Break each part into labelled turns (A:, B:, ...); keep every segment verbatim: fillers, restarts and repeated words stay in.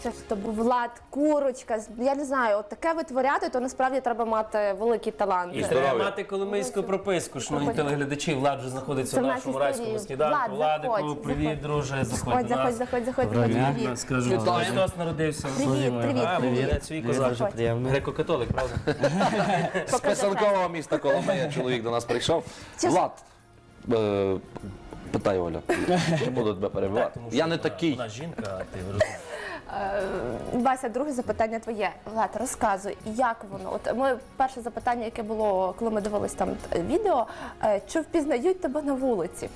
A: що то був Влад, Курочка. Я не знаю, от таке витворяти, то насправді треба мати великий талант.
B: І треба мати коломийську прописку. Шановні телеглядачі, Влад вже знаходиться
A: Це
B: в
A: в
B: нашому
A: нашій
B: райському
A: студії.
B: сніданку.
A: Влад,
B: Владику,
A: заходь,
B: привіт,
A: заходь.
B: друже, заходь
A: Заходь,
B: до
A: заходь,
B: нас.
A: заходь, заходь,
C: Доброго
A: заходь.
C: дня.
A: Привіт.
B: Скажу,
C: Вітаю.
B: Христос народився.
A: Привіт, привіт,
B: А,
A: привіт.
B: молодець, свій козак.
C: Дуже приємно.
B: Греко-католик, правда?
C: З писанкового міста Коломия чоловік до нас прийшов.
A: Чи ж-
C: Влад, е, питай, Оля, не буду тебе перебивати.
B: Тому що
C: Я не
B: вона-
C: такий.
B: Вона жінка, а ти розумієш.
A: Вася, друге запитання твоє. Влад, розказуй, як воно? От ми перше запитання, яке було, коли ми дивились там е, відео, е, чи впізнають тебе на вулиці?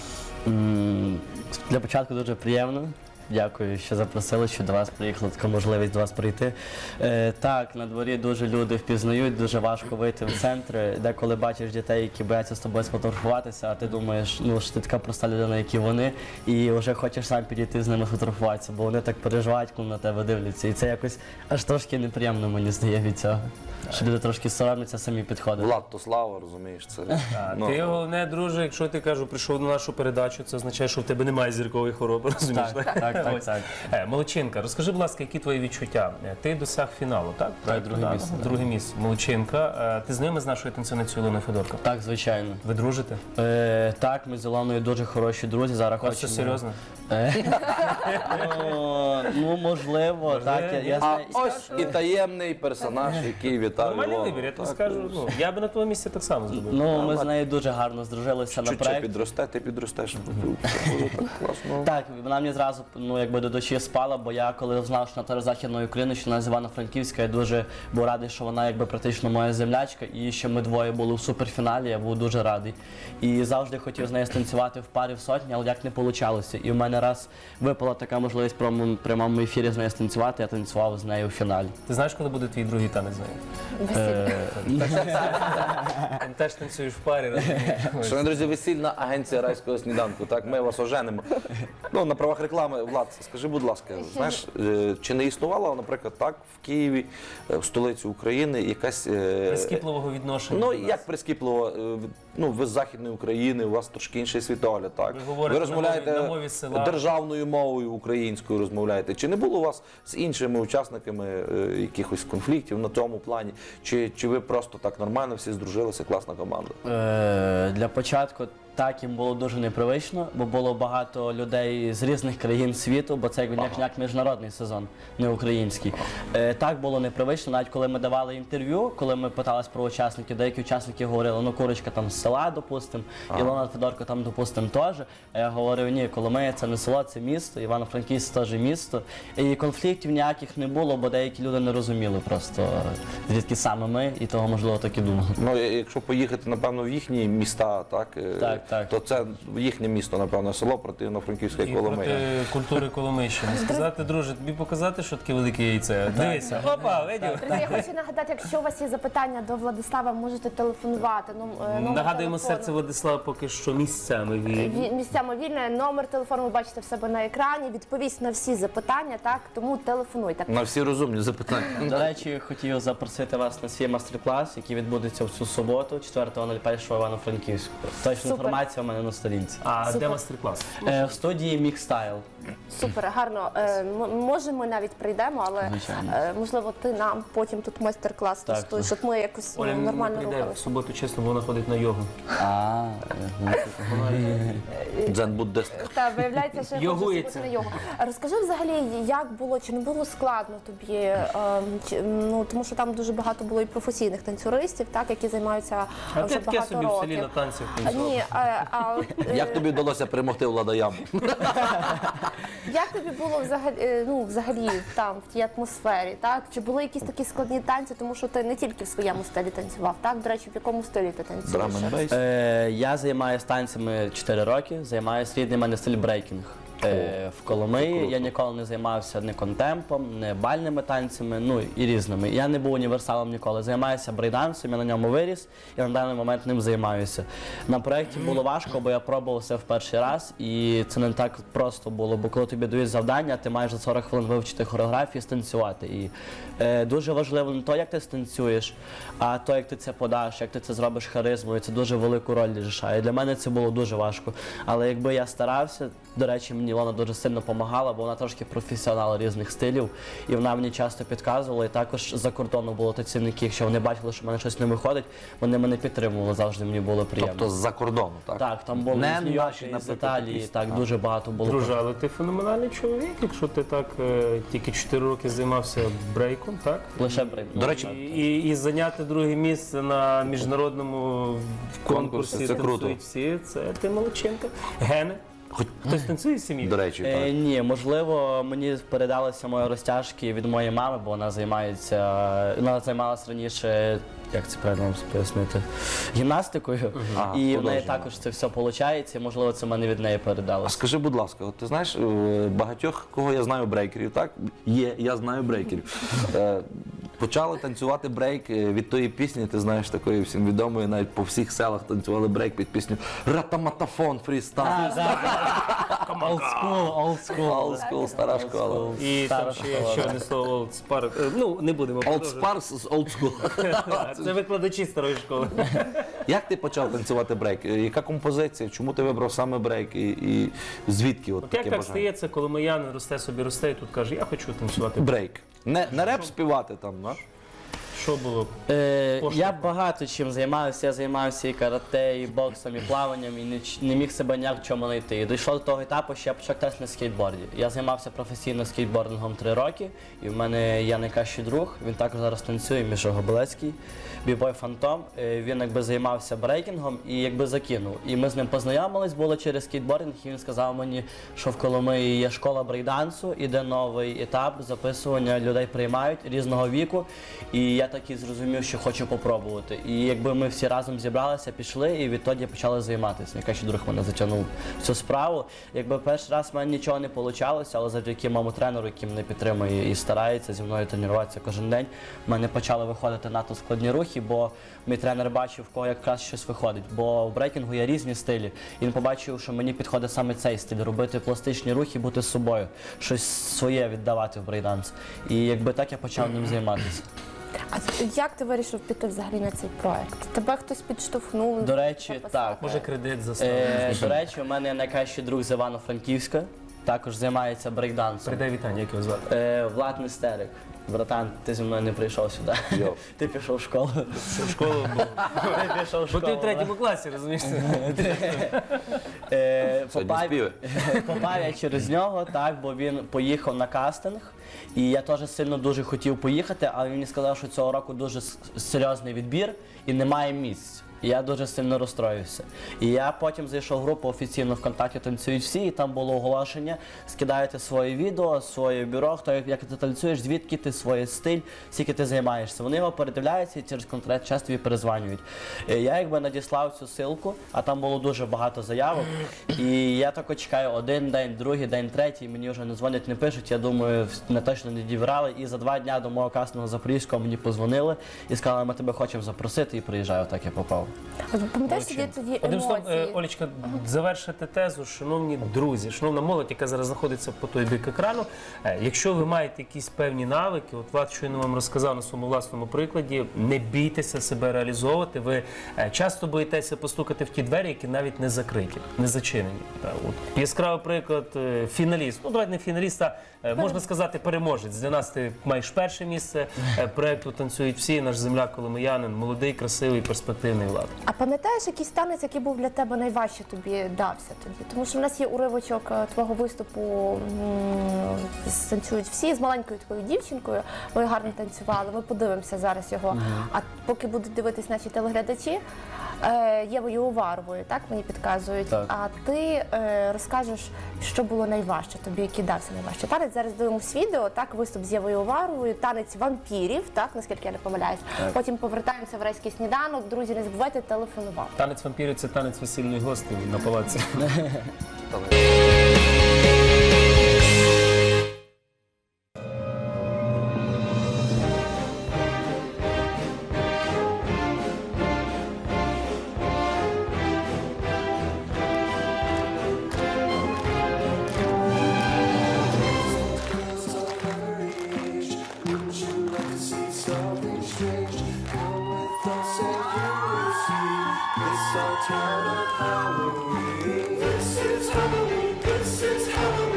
D: М, Для початку дуже приємно. Дякую, що запросили, що до вас приїхала така можливість до вас прийти. Е, так, на дворі дуже люди впізнають, дуже важко вийти в центр. Деколи бачиш дітей, які бояться з тобою сфотографуватися, а ти думаєш, ну що ти така проста людина, як і вони, і вже хочеш сам підійти з ними фотографуватися, бо вони так переживають, коли на тебе дивляться. І це якось аж трошки неприємно, мені здає від цього. Що люди трошки соромляться, самі підходять.
C: Влад, то слава, розумієш, це.
B: А
C: ну,
B: ти головне, друже, якщо ти кажу, прийшов на нашу передачу, це означає, що в тебе немає зіркової хвороби, розумієш?
D: Так, так, так,
B: Ось.
D: так.
B: Е, Молодчинка, розкажи, будь ласка, які твої відчуття? Е, Ти досяг фіналу, так? Проекту,
D: друге
B: да?
D: місце, так.
B: Друге місце. Молодчинка. Е, Ти знайомий з нашою танцівницею Ілоною Федорко?
D: Так, звичайно.
B: Ви дружите?
D: Е, так, ми з Ілоною дуже хороші друзі. Зараз
B: Ось це
D: хочемо.
B: серйозно?
D: Е, ну, ну, можливо, так. Я, я
C: А
D: знаю.
C: ось і таємний персонаж, який вітав
B: Нормальний
C: Ілону.
B: вибір, я тобі
C: Так,
B: скажу. Ну, я би на твоєму місці так само зробив.
D: Ну, ми з нею дуже гарно здружилися на
C: Чуть-чуть
D: проєкті.
C: підросте, ти підростеш. Це буде так класно.
D: Так, вона мені зразу ну, якби до душі спала, бо я коли знав, що на території Західної України, що вона з Івано-Франківська, я дуже був радий, що вона якби практично моя землячка, і що ми двоє були в суперфіналі, я був дуже радий. І завжди хотів з нею станцювати в парі в сотні, але як не вийшло. І в мене раз випала така можливість в прямому- прямому ефірі з нею станцювати, я танцював з нею в фіналі.
B: Ти знаєш, коли буде твій другий танець з нею?
A: Весілля.
B: Ти теж танцюєш в парі, розумієш?
C: Шановні друзі, весільна агенція райського сніданку. Так, ми вас оженимо. Ну, на правах реклами, Влад, скажи, будь ласка, знаєш, е, чи не існувала, наприклад, так, в Києві, е, в столиці України, якась. е,
B: Прискіпливого відношення.
C: Ну,
B: до нас.
C: як прискіпливо, е, ну, ви з Західної України, у вас трошки інший світогляд, так?
B: Ви говорите
C: розмовляєте
B: на мові- на мові села.
C: державною мовою українською розмовляєте. Чи не було у вас з іншими учасниками е, якихось конфліктів на цьому плані? Чи, чи ви просто так нормально всі здружилися, класна команда?
D: Е, для початку так їм було дуже непривично, бо було багато людей з різних країн світу, бо це як, як, як міжнародний сезон, не український. Е, так було непривично, навіть коли ми давали інтерв'ю, коли ми питались про учасників, деякі учасники говорили, ну Курочка там з села, допустим, Ілона Федорко там, допустим, теж. А я говорив, ні, Коломия це не село, це місто, Івано-Франківськ теж місто. І конфліктів ніяких не було, бо деякі люди не розуміли просто, звідки саме ми, і того, можливо, так і думали.
C: Ну, якщо поїхати, напевно, в їхні міста, так, е,
D: Так, так.
C: то це їхнє місто, напевно, село проти Івано-Франківська
B: І
C: Коломия.
B: проти культури Коломийщини. Сказати, друже, тобі показати, що таке велике яйце? Дивися, опа, видів?
A: Друзі, я хочу нагадати, якщо у вас є запитання до Владислава, можете телефонувати. Ну, е, номер
B: Нагадуємо,
A: телефону.
B: серце Владислава поки що місцями вільні.
A: Ві- Місцями вільне, номер телефону ви бачите в себе на екрані, відповість на всі запитання, так, тому телефонуйте.
C: На всі розумні запитання.
D: До речі, хотів запросити вас на свій майстер-клас, який відбудеться в цю суботу, четвертого першого Івано-Франківську. Точна
A: Супер.
D: інформація у мене на сторінці.
B: А
A: Супер.
B: де майстер-клас?
D: Е, в студії Мікстайл.
A: Супер, гарно. Е, м- може, ми навіть прийдемо, але
D: Звичайно.
A: е, можливо ти нам потім тут майстер-клас
D: Так,
A: влаштуєш, щоб ми якось ну,
B: Оля не
A: нормально
B: прийде в
A: рухалися.
B: суботу, чесно, бо вона ходить на йогу.
D: А,
C: Дзен-буддистка.
A: Та виявляється, що я хочу
B: Йогується.
A: зробити на йогу. Розкажи взагалі, як було, чи не було складно тобі, ем, чи, ну тому що там дуже багато було і професійних танцюристів, так, які займаються
B: А
A: вже
B: ти таке
A: багато
B: собі в селі на
A: років.
B: танцях
A: А,
B: танцював.
A: ні, а, а, от, е,
C: Як тобі вдалося перемогти Влада Яму?
A: як тобі було взагалі, е, ну, взагалі там, в тій атмосфері, так? Чи були якісь такі складні танці, тому що ти не тільки в своєму стилі танцював, так? До речі, в якому стилі ти танцюєш?
C: Драм-н-бейс?
D: е, я займаюся танцями чотири роки, займаюся рідний в мене стиль брейкінг. Е, в Коломиї я ніколи не займався ні контемпом, ні бальними танцями, ну і різними. Я не був універсалом ніколи. Займаюся брейдансом, я на ньому виріс і на даний момент ним займаюся. На проєкті було важко, бо я пробував все в перший раз, і це не так просто було, бо коли тобі дають завдання, ти маєш за сорок хвилин вивчити хореографію і станцювати. І е, дуже важливо не то, як ти станцюєш, а то, як ти це подаш, як ти це зробиш харизмою. Це дуже велику роль рішає. Для мене це було дуже важко. Але якби я старався, до речі, мені Ілона дуже сильно допомагала, бо вона трошки професіонал різних стилів. І вона мені часто підказувала. І також за кордону було танцівники, якщо вони бачили, що в мене щось не виходить, вони мене підтримували, завжди мені було приємно.
C: Тобто з-за кордону, так?
D: Так, там були
C: Не
D: з Нью-Йорка,
C: наші,
D: з
C: наприклад,
D: Італії,
C: якісь.
D: так,
C: А.
D: дуже багато було.
B: Друже, але ти феноменальний чоловік, якщо ти так е, тільки чотири роки займався брейком, так?
D: Лише брейк.
C: До речі,
B: І, і, і зайняти друге місце на міжнародному конкурсі
C: Конкурсі, це круто.
B: «Танцюють всі», це ти молодчинка. Гени?
C: Хоч,
B: Хтось танцює в сім'ї?
C: до речі,
D: Е,
C: так.
D: ні, можливо, мені передалися мої розтяжки від моєї мами, бо вона займається, вона займалася раніше, як це правильно вам пояснити, гімнастикою.
C: Ага,
D: І в неї
C: художньою.
D: також це все виходить, і можливо це мене від неї
C: А
D: передалося.
C: скажи, будь ласка, от ти знаєш, е, багатьох, кого я знаю брейкерів, так? Є, я знаю брейкерів. Е, Почали танцювати брейк е, від тої пісні, ти знаєш, такої всім відомої, навіть по всіх селах танцювали брейк під пісню «Ратаматафон фрістайл».
D: Олдскул, олдскул.
C: Олдскул, стара школа.
B: І там
D: Стара
B: ще є
D: школа,
B: ще
D: да.
B: одне слово «олдспар». Е, Ну, не будемо
C: Old
B: продовжувати.
C: Sparks з Old School.
B: Це викладачі старої школи.
C: Як ти почав танцювати брейк? Е, Яка композиція? Чому ти вибрав саме брейк? І, і звідки от
B: От
C: таке
B: як так
C: бажання?
B: стається, коли моянин росте собі росте і тут каже, я хочу танцювати.
C: Брейк. Не, не реп співати там, да?
B: Що було?
D: Е,
B: Поштовх.
D: я багато чим займався. Я займався і карате, і боксом, і плаванням, і не, ч- не міг себе ніяк в чому знайти. І дійшло до того етапу, що я почав кататися на скейтборді. Я займався професійно скейтбордингом три роки, і в мене є найкращий друг. Він також зараз танцює, Міша Гобелецький, бібой Фантом. Е, Він якби займався брейкінгом і якби закинув. І ми з ним познайомились, було через скейтбординг, і він сказав мені, що в Коломиї є школа брейкдансу, іде новий етап записування, людей приймають різного віку. І я так і зрозумів, що хочу попробувати. І якби ми всі разом зібралися, пішли, і відтоді почали займатися. Найкращий друг мене затягнув в цю справу. Якби перший раз в мене нічого не вийшло, але завдяки моєму тренеру, який мене підтримує і старається зі мною тренуватися кожен день, в мене почали виходити надто складні рухи, бо мій тренер бачив, в кого якраз щось виходить. Бо в брейкінгу є різні стилі. І він побачив, що мені підходить саме цей стиль робити пластичні рухи, бути з собою, щось своє віддавати в брейкданс. І якби так я почав ним займатися.
A: А як ти вирішив піти взагалі на цей проект? Тебе хтось підштовхнув?
D: До речі,
A: записав?
D: так.
B: Може, кредит заставив?
D: Е, до речі, у мене є найкращий друг з Івано-Франківська, також займається брейкдансом.
B: Передай вітання, як його звати.
D: Е, Влад Нестерик. Братан, ти зі мною не прийшов сюди.
C: Йо.
D: Ти пішов в школу.
B: В школу був.
D: Ти пішов в
B: Бо
D: школу.
B: ти в третьому класі, розумієш?
D: Е,
C: Сьогодні
D: попав-
C: співи.
D: Попав я через нього, так, бо він поїхав на кастинг. І я теж сильно дуже хотів поїхати, але він мені сказав, що цього року дуже с- серйозний відбір і немає місць. І я дуже сильно розстроївся. І я потім зайшов в групу офіційно ВКонтакті «Танцюють всі», і там було оголошення, скидаєте своє відео, своє бюро, хто як, як ти танцюєш, звідки ти, свій стиль, скільки ти займаєшся. Вони його передивляються і через конкретний час тобі перезванюють. Е, Я якби надіслав цю ссылку, а там було дуже багато заявок. І я тако чекаю один день, другий день, третій, мені вже не дзвонять, не пишуть. Я думаю, не точно не діврали. І за два дні до мого кастингу Запорізького мені позвонили і сказали, ми тебе хочемо запросити, і приїжджаю, так я попав.
A: От пам'ятаєш тоді тоді
B: Одним словом, е,
A: емоції?
B: Олечка, завершити тезу, шановні друзі, шановна молодь, яка зараз знаходиться по той бік екрану. е, Якщо ви маєте якісь певні навики, от Влад щойно вам розказав на своєму власному прикладі, не бійтеся себе реалізовувати. Ви е, часто боїтеся постукати в ті двері, які навіть не закриті, не зачинені. Та, от. Яскравий приклад, е, фіналіст. Ну, давайте не фіналіст, а е, можна сказати, переможець. Для нас ти маєш перше місце е, проекту «Танцюють всі», наш земляк коломиянин, молодий, красивий, перспективний Влад.
A: А пам'ятаєш якийсь танець, який був для тебе найважче тобі дався тоді? Тому що в нас є уривочок е, твого виступу м, з «Танцюють всі» з маленькою такою дівчинкою. Ви гарно танцювали. Ми подивимося зараз його. А поки будуть дивитись наші телеглядачі, е, Євою Уваровою, так мені підказують.
D: Так.
A: А ти е, розкажеш, що було найважче тобі, який дався найважче. Танець зараз дивимося відео, так, виступ з Євою Уваровою, танець вампірів, так, наскільки я не помиляюсь. Потім повертаємося в райський сніданок. Друзі, не забувайте телефонувати.
B: Танець вампірів – це танець весільної гостей на палаці.
E: This is Halloween, this is Halloween.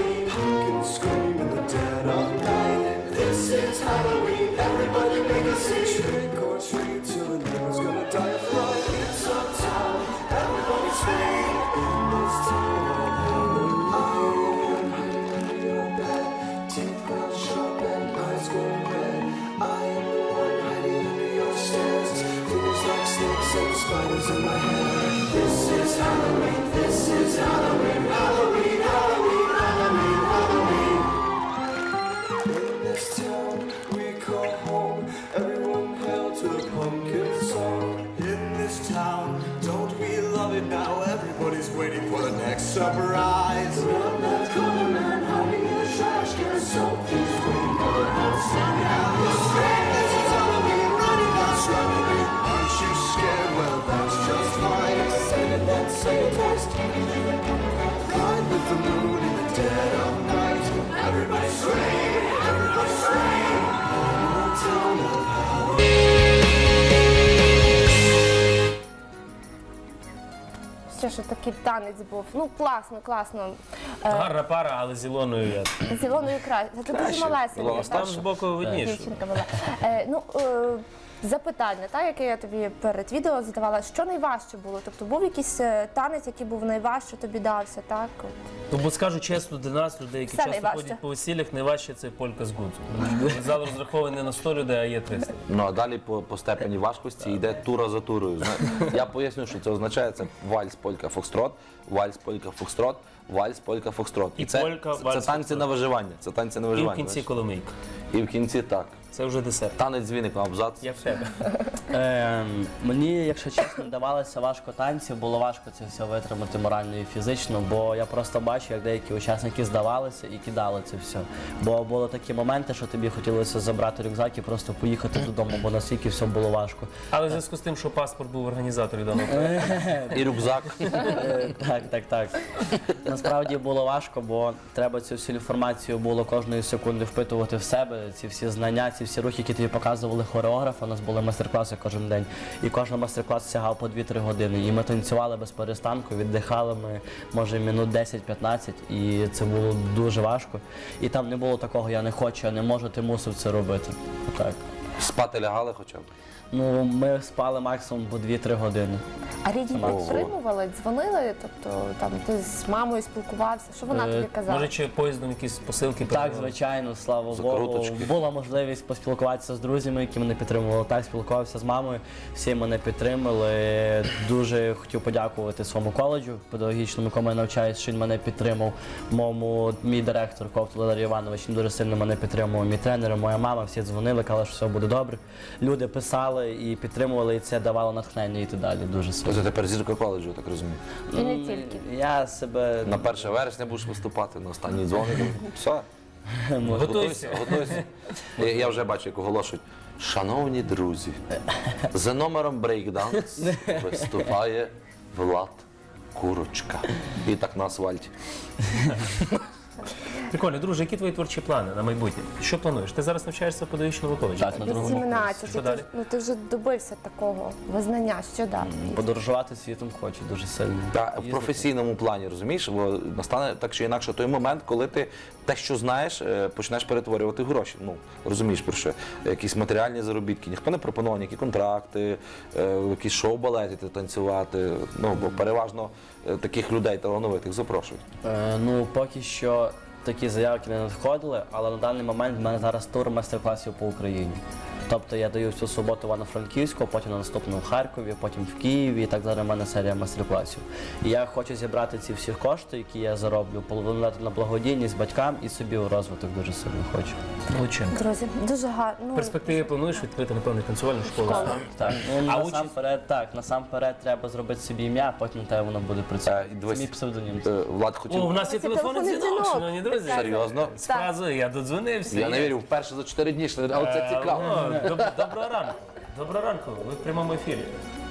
E: Trick or treat till the neighbor's gonna die of fright. It's uptown, everybody's free. This town of Halloween. I am hiding under your bed, teeth ground sharp and eyes glowing red. I am the one hiding under your stairs. Fingers like snakes and spiders in my hair. This is Halloween, this is Halloween, Halloween, Halloween, Halloween, Halloween. In this town we call home, everyone hail to the pumpkin song. In this town, don't we love it now? Everybody's waiting for the next surprise. Around that corner, man hiding in the trash can, something's waiting for the next surprise. This is Halloween, running us, running. Aren't you scared? Well, that's just fine. Say it, let's say it twice. Ride with the moon in the dead of night. Everybody scream, everybody scream. In the town of
A: Ще що такий танець був. Ну, класно, класно. Е,
B: Гарна пара, але з Ілоною я.
A: З Ілоною краще. Це дуже
C: Краще.
A: малесенька.
C: Ілона
B: Там з боку видніше.
A: Дівчинка була. Е, ну, е, запитання, та, яке я тобі перед відео задавала, що найважче було? Тобто був якийсь е, танець, який був найважче тобі дався, так? От.
B: Ну, бо скажу чесно, для нас, людей, які
A: Все
B: часто
A: найважче.
B: ходять по весіллях, найважче це полька з гудзу. Зал розрахований не на сто людей, а є триста.
C: Ну а далі по, по степені важкості йде тура за турою. Зна- Я поясню, що це означає. Це вальс, полька, фокстрот, вальс, полька, фокстрот, вальс, полька, фокстрот.
B: І
C: це,
B: полька,
C: це
B: вальс,
C: танці
B: фокстрот.
C: на виживання. Це танці на
B: І в
C: виживання.
B: кінці
C: знаєш.
B: коломийка.
C: І в кінці так.
B: Це вже десерт.
C: Танець з віником, абзац.
B: Як в тебе.
D: Ем, мені, якщо чесно, давалося важко танці, було важко це все витримати морально і фізично, бо я просто бачу, як деякі учасники здавалися і кидали це все. Бо були такі моменти, що тобі хотілося забрати рюкзак і просто поїхати додому, бо настільки все було важко.
B: Але в зв'язку з тим, що паспорт був організатором даного проекту.
C: І рюкзак.
D: Е, Так, так, так. Насправді було важко, бо треба цю всю інформацію було кожної секунди впитувати в себе, ці всі знання, ці всі рухи, які тобі показували хореографи. У нас були майстер-класи кожен день. І кожен майстер-клас сягав по дві-три години. І ми танцювали без перестанку, віддихали ми, може, минут десять-п'ятнадцять. І це було дуже важко. І там не було такого, я не хочу, я не можу, ти мусив це робити. Так.
C: Спати лягали хоча б.
D: Ну, ми спали максимум по дві-три години.
A: А рідні
C: Ого.
A: підтримували, дзвонили, тобто там ти з мамою спілкувався, що вона
D: Е,
A: тобі казала?
B: Може, чи поїздом якісь посилки
D: Так,
B: передавали?
D: звичайно, слава Богу.
C: Закруточки.
D: Була можливість поспілкуватися з друзями, які мене підтримували. Так, спілкувався з мамою, всі мене підтримали. Дуже хотів подякувати своєму коледжу педагогічному, якому я навчаюсь, що він мене підтримав. Моєму мій директор Ковтун Валерій Іванович він дуже сильно мене підтримував. Мій тренер, моя мама, всі дзвонили, казали, що все буде добре. Люди писали і підтримували, і це давало натхнення йти далі дуже сильно.
C: Ось тепер зірка коледжу, я так розумію.
A: І не тільки.
D: Я себе
C: На перше вересня будеш виступати, на останній дзвоник. Все.
B: Готуйся.
C: Готуйся. Я, я вже бачу, як оголошують. Шановні друзі, за номером брейкданс виступає Влад Курочка. І так на асфальті.
B: Прикольно, друже, які твої творчі плани на майбутнє? Що плануєш? Ти зараз навчаєшся в педагогічному коледжі?
D: Так, на другому
A: вісімнадцять,
B: Що
A: ти,
B: далі?
A: ж- ну, ти вже добився такого визнання, що далі?
D: подорожувати світом хочу дуже сильно.
C: Та, в
D: Їздити.
C: професійному плані, розумієш, бо настане так чи інакше той момент, коли ти те, що знаєш, е, почнеш перетворювати в гроші. Ну, розумієш, про що? Якісь матеріальні заробітки. Ніхто не пропонував ніякі контракти, е, якісь шоу-балети танцювати. Ну, бо переважно е, таких людей талановитих запрошують.
D: Е, ну, поки що такі заявки не надходили, але на даний момент в мене зараз тур майстер-класів по Україні. Тобто я даю всю суботу в Івано-Франківську, потім на наступну в Харкові, потім в Києві, і так зараз в мене серія майстер-класів. І я хочу зібрати ці всі кошти, які я зароблю, половину дати на благодійність батькам і собі у розвиток дуже сильно хочу.
B: Молодчинка.
A: Друзі, дуже гарно.
B: В
A: Ну,
B: перспективі плануєш відкрити, напевно, танцювальну школу.
A: Школу.
D: Так, ну
B: А
D: насамперед, так, насамперед треба зробити собі ім'я, а потім те воно буде
C: Е,
D: працювати.
C: і
D: Це
C: дивись,
D: мій псевдонім.
C: е, Влад хотів.
B: О, в нас є
A: Це
B: телефонний
A: телефонний
B: дзвінок,
A: дзвінок.
B: шановні друзі.
C: Серйозно?
B: З фразою «я додзвонився».
C: Я не вірю, вперше за чотири дні, що- але це цікаво.
B: О, доб- Доброго ранку. Доброго ранку. Ви в прямому ефірі.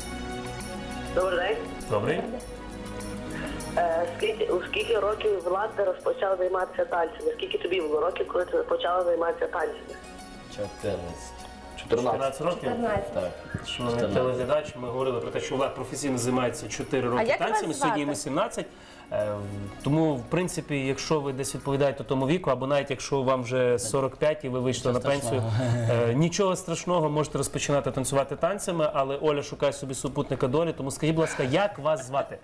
F: Добрий день.
B: Добрий.
F: Е, скільки, у скільки років Влад ти розпочав займатися танцями? Скільки тобі було років, коли ти почала займатися танцями?
D: чотирнадцять.
C: чотирнадцять.
B: п'ятнадцять років.
A: чотирнадцять.
D: Так.
B: Шановний телеглядач, ми говорили про те, що Влад професійно займається чотири
A: А
B: роки
A: як
B: танцями,
A: вас
B: сьогодні
A: звати?
B: йому сімнадцять. Е, Тому, в принципі, якщо ви десь відповідаєте тому віку, або навіть якщо вам вже сорок п'ять і ви вийшли на пенсію, е, нічого страшного, можете розпочинати танцювати танцями, але Оля шукає собі супутника долі, тому скажіть, будь ласка, як вас звати?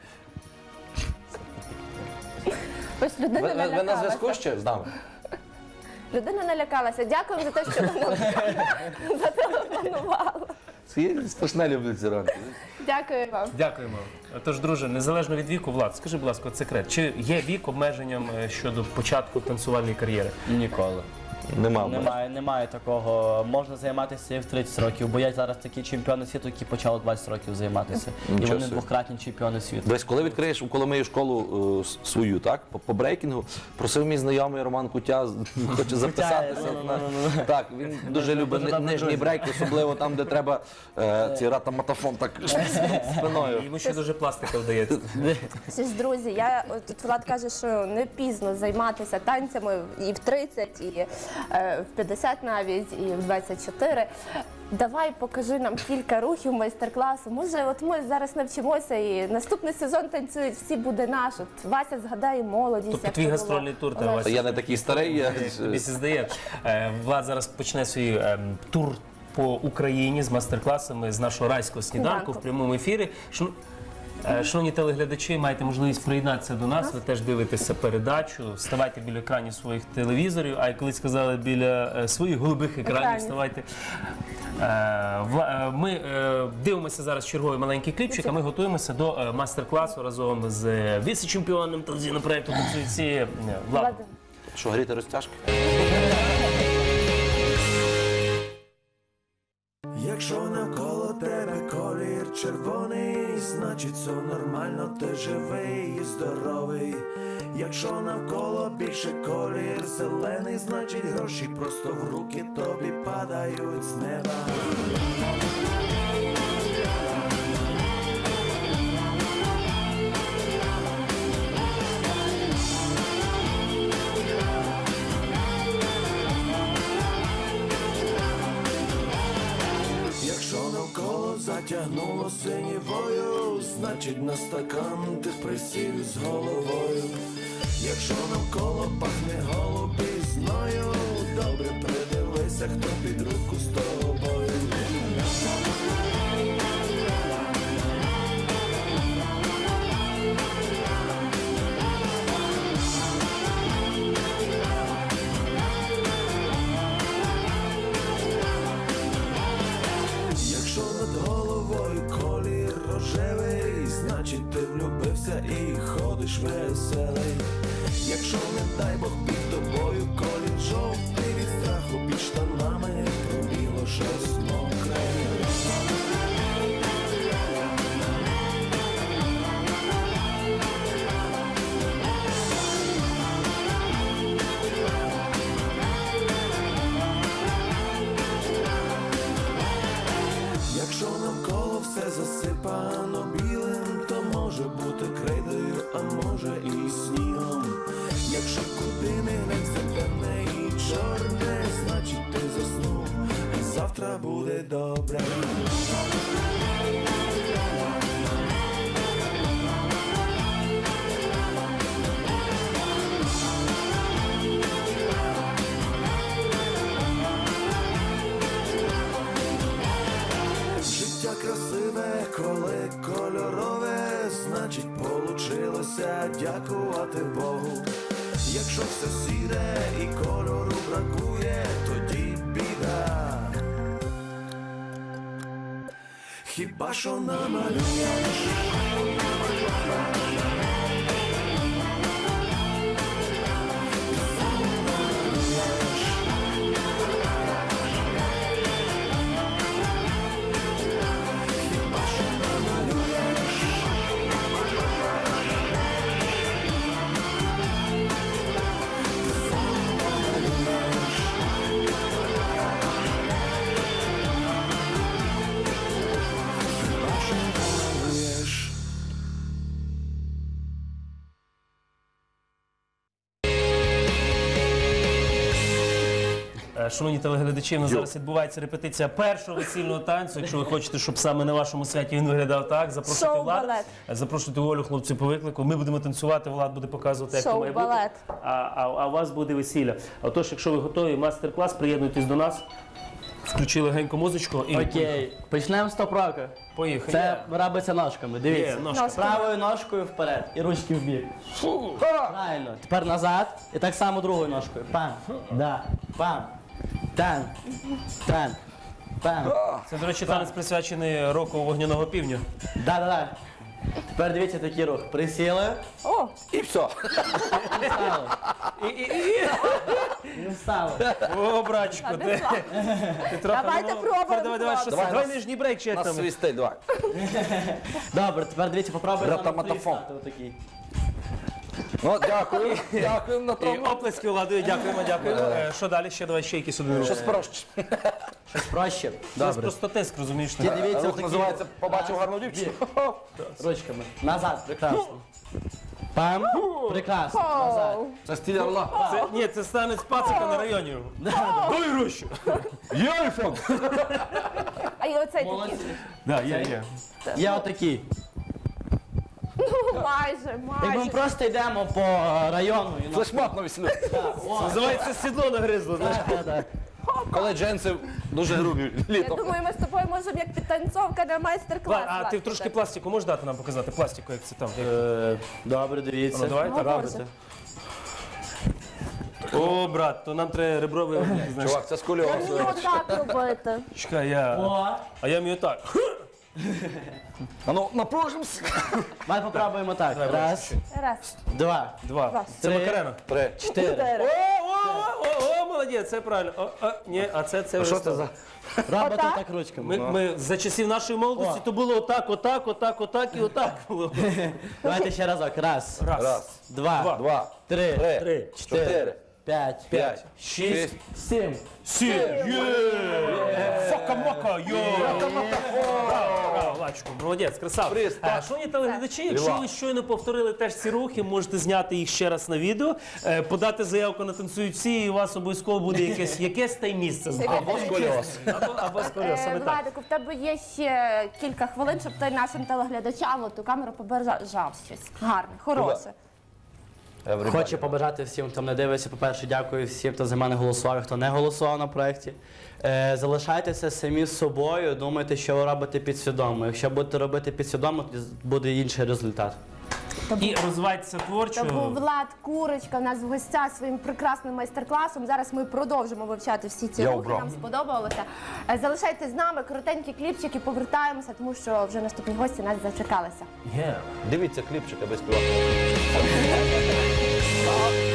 A: Ось людина
C: Ви, ви, ви на
A: налякалася.
C: зв'язку ще з нами?
A: Людина налякалася. Дякуємо за те, що ви нам зателефонували.
C: Я страшно люблю ці ранки.
A: Дякую вам.
B: Дякуємо. Тож, друже, незалежно від віку, Влад, скажи, будь ласка, от секрет, чи є вік обмеженням е, щодо початку танцювальної кар'єри?
D: Ніколи.
C: Нема в мене.
D: Немає, немає такого. Можна займатися і в тридцять років, бо є зараз такі чемпіони світу, які почали двадцять років займатися. І
C: Нічого
D: вони
C: собі.
D: двократні чемпіони світу.
C: Десь, коли відкриєш у Коломиї школу е, с- свою, так, по, по брейкінгу, просив мій знайомий Роман Кутя, з- хоче записатися. на- Так, він дуже любить ни- нижній брейк, особливо там, де треба е, ці ратаматафон так спиною.
B: Йому ще дуже пластика вдається.
A: Всі ж, друзі, я от тут Влад каже, що не пізно займатися танцями і в тридцять, і е, в п'ятдесят навіть, і в двадцять чотири. Давай покажи нам кілька рухів майстер-класу. Може, от ми зараз навчимося і наступний сезон танцюють, всі буде наш. От Вася згадає молодість.
B: Тобто
A: як
B: твій
A: це було.
B: гастрольний тур, та,
A: Олег.
B: Вася?
C: Я не такий старий, я
B: Тобі це здає. Е, Влад зараз почне свій ем, тур по Україні з майстер-класами з нашого райського сніданку
A: Сніданку.
B: в прямому ефірі. Шано- е, Шановні телеглядачі, маєте можливість приєднатися до нас. Ви теж дивитеся передачу. Ставайте біля екранів своїх телевізорів, а як колись сказали, біля е, своїх голубих екранів
A: Екранів.
B: ставайте. Е, Вла- е, Ми е, дивимося зараз черговий маленький кліпчик, а ми готуємося до е, майстер-класу разом з е, віце-чемпіоном телевізійного проєкту «Танцюйці» е, Владом.
A: Влад,
C: що, гріти розтяжки?
E: Якщо навколо тебе колір червоний, значить все нормально, ти живий і здоровий. Якщо навколо більше колір зелений, значить гроші просто в руки тобі падають з неба. Якщо навколо затягнуло синівою, значить на стакан ти присів з головою. Якщо навколо пахне голубізною, добре придивися, хто під руку з тобою. Якщо над головою колір рожевий, значить ти влюбився і ходиш веселий. Якщо, не дай Бог, під тобою колір жовтий, від страху під штанами пробіло щось мокре. Якщо навколо все засипано білим, то може бути крейдою, а може і снігом. Якщо куди не глянь, все темне і чорне, значить ти заснув, і завтра буде добре. Життя красиве, коли кольорове, значить получилося дякувати Богу. Якщо все сіре і кольору бракує, тоді біда. Хіба що намалюєш?
B: Е, Шановні телеглядачі, у нас зараз відбувається репетиція першого весільного танцю. Якщо ви хочете, щоб саме на вашому святі він виглядав так, запрошуйте Влад,
A: Шоу-балет.
B: е, запрошуйте Олю, хлопців по виклику. Ми будемо танцювати, Влад буде показувати, як це має бути.
A: Шоу-балет.
B: А, а, а у вас буде весілля. Отож, якщо ви готові, мастер-клас, приєднуйтесь до нас. Включи легенько музичку і
D: Окей, почнемо з топ-року.
B: поїхали.
D: Це робиться ножками,
B: Є,
D: дивіться.
B: ножка.
D: Правою ножкою вперед і ручки в бік. Правильно. Тепер назад і так само другою ножкою. Пам. Да. Пам. Тан. Тан. Пам.
B: Це, до речі, танець присвячений року вогняного півня.
D: Да-да-да. Тепер дивіться такий рух. Присіли
A: О,
C: І все.
D: і встали.
B: І, і, і.
D: І встали.
B: О, братчику, ти, ти трохи...
A: Давайте
B: ну,
A: пробуємо,
B: Давай, давай, що це?
C: Давай,
B: Давай
C: нас-
B: нижній брейк, чи як
C: На
B: там?
C: свій стиль, давай.
D: Добре, тепер дивіться, попробуйте на
C: Ратаматафон.
D: стати отакий.
C: Ну, дякую, дякую на
B: І
C: тому.
B: оплески Владою, дякуємо, дякуємо. Е, Що далі? Ще давай ще якісь один рух.
C: Щось проще.
D: Щось проще.
B: Це
D: Добре.
B: просто тиск, розумієш?
D: Ті дивіться
C: Рух
D: отакі.
C: називається «Побачив гарну дівчину».
D: Ручками. Назад, прекрасно. Пам. Прекрасно. Назад.
C: Це стиль орла.
B: Це, ні, це станець пацика на районі. Дай гроші.
C: Є айфон.
A: а і оцей такий.
D: Молодці.
B: Да, є, є.
D: Є отакі.
A: Ну, майже,
D: Якби ми
A: майже.
D: просто йдемо по району і на
C: Флешмоб на весіллю.
B: Називається сідло нагризло. знаєш.
D: Да-да-да.
C: Коли джинси дуже грубі
A: Я
C: літом.
A: думаю, ми з тобою можемо як підтанцовка на майстер-клас.
B: Влад, а ти
A: Влад,
B: трошки
A: так.
B: пластику можеш дати нам показати? Пластику, як це там? як-
D: Е, Добре, дивіться.
B: Ну, давай, так.
D: робите.
B: О, брат, то нам треба ребровий обмін, знаєш.
C: Чувак, це скульоз.
A: Ні, отак робити.
B: Чекай, я...
D: О,
B: А я вмію так.
C: А ну, напружимося.
D: давай попробуємо так.
B: Давай,
D: Раз,
A: Раз,
D: два,
B: Два.
A: Раз.
B: Це
D: Три.
B: Макарена.
C: Три.
D: чотири.
B: О,
A: чотири.
B: о, о, о, молодець, це правильно. О, о, ні, а це це вже
C: Що це
B: стало.
C: за...
D: Робите
A: Отак?
D: так ручками.
B: Ми, ми за часів нашої молодості
D: О.
B: то було отак, отак, отак, отак і отак було.
D: Давайте ще разок. Раз,
B: Раз,
C: Раз,
D: два,
B: Два.
C: два,
D: три,
C: три,
B: три,
C: чотири,
D: п'ять,
C: п'ять,
B: шість,
C: шість.
D: сім.
B: сім. Є! Фока-мока, йо! Браво, Владчику, молодець, красава.
C: Приз,
B: Е,
C: так.
B: Шановні телеглядачі, якщо
C: Ліва.
B: ви щойно повторили теж ці рухи, можете зняти їх ще раз на відео, е, подати заявку на «Танцюють всі», і у вас обов'язково буде якесь, якесь та й місце.
C: Або скульоз.
B: Або, або скоріше,
A: Е,
B: саме так.
A: Владику, в тебе є ще кілька хвилин, щоб ти нашим телеглядачам ту камеру побажав щось гарне, хороше.
D: Хочу побажати всім, хто мене дивиться. По-перше, дякую всім, хто за мене голосував, і хто не голосував на проєкті. Е, залишайтеся самі з собою, думайте, що ви робите підсвідомо. Якщо будете робити підсвідомо, тоді буде інший результат.
B: І розвивайтеся
A: Це
B: творчо.
A: був Влад Курочка, у нас в гостях своїм прекрасним майстер-класом. Зараз ми продовжимо вивчати всі ці
C: Йоу,
A: рухи,
C: бро.
A: нам сподобалося. Е, Залишайтесь з нами, коротенькі кліпчики, повертаємося, тому що вже наступні гості нас зачекалися.
B: Yeah.
C: Дивіться кліпчик, аби співати.